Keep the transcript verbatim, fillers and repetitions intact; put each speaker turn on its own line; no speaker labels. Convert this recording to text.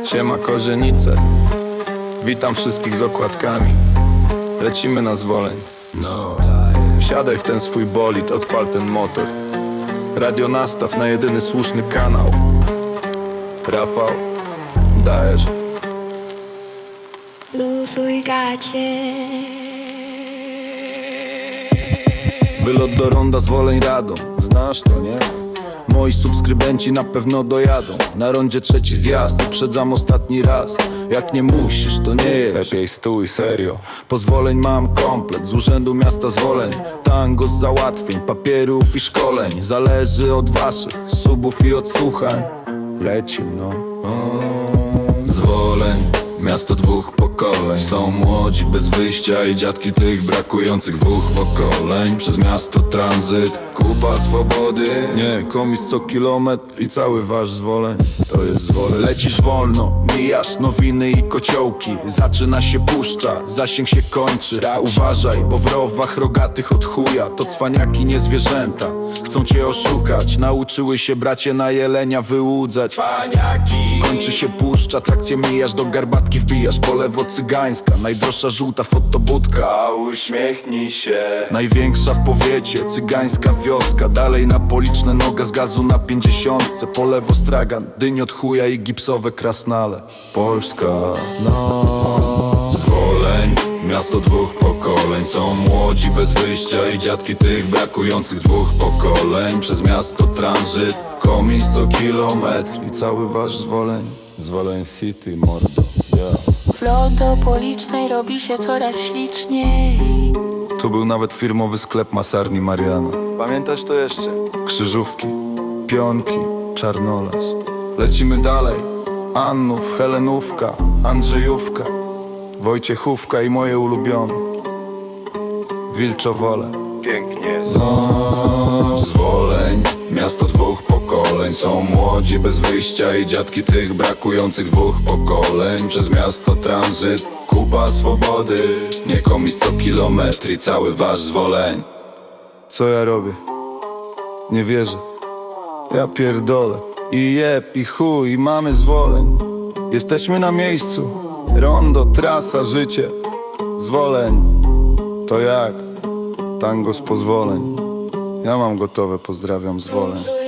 Siema Kozienice, witam wszystkich z okładkami. Lecimy na Zwoleń. No, wsiadaj w ten swój bolid, odpal ten motor. Radio nastaw na jedyny słuszny kanał. Rafał, dajesz.
Luzuj gacie.
Wylot do ronda Zwoleń Radom. Znasz to, nie? Moi subskrybenci na pewno dojadą. Na rondzie trzeci zjazd, uprzedzam ostatni raz. Jak nie musisz, to nie jest. Lepiej stój, serio. Pozwoleń mam komplet, z urzędu miasta Zwoleń. Tango z załatwień, papierów i szkoleń. Zależy od waszych subów i odsłuchań. Lecim, no. Zwoleń, miasto dwóch pokoleń. Są młodzi bez wyjścia i dziadki tych brakujących dwóch pokoleń. Przez miasto tranzyt, kupa swobody. Nie, komis co kilometr i cały wasz Zwoleń. To jest Zwoleń. Lecisz wolno, mijasz nowiny i kociołki. Zaczyna się puszcza, zasięg się kończy. Uważaj, bo w rowach rogatych od chuja to cwaniaki, nie zwierzęta. Chcą cię oszukać, nauczyły się bracie na jelenia wyłudzać. Cwaniaki. Kończy się puszcza, trakcję mijasz, do garbatki wbijasz. Po lewo cygańska, najdroższa żółta fotobudka. Uśmiechnij się. Największa w powiecie, cygańska wioska. Dalej na policzne, noga z gazu na pięćdziesiątce. Po lewo stragan, dyń od chuja i gipsowe krasnale. Polska, no. Zwoleń, miasto dwóch pokoleń. Są młodzi bez wyjścia i dziadki tych brakujących dwóch pokoleń. Przez miasto tranzyt, komis co kilometr i cały wasz Zwoleń. Zwoleń City, mordo, yeah.
Flot do Policznej robi się coraz śliczniej.
Tu był nawet firmowy sklep masarni Mariana. Pamiętasz to jeszcze? Krzyżówki, pionki, Czarnolas. Lecimy dalej. Annów, Helenówka, Andrzejówka, Wojciechówka i moje ulubione Wilczowole. Pięknie. No, Zwoleń, miasto dwóch pokoleń. Są młodzi bez wyjścia i dziadki tych brakujących dwóch pokoleń. Przez miasto tranzyt, kupa swobody. Nie komis co kilometr i cały wasz Zwoleń. Co ja robię? Nie wierzę. Ja pierdolę. I jeb, i chuj, i mamy Zwoleń. Jesteśmy na miejscu. Rondo, trasa, życie. Zwoleń. To jak? Tango z pozwoleń. Ja mam gotowe, pozdrawiam Zwoleń.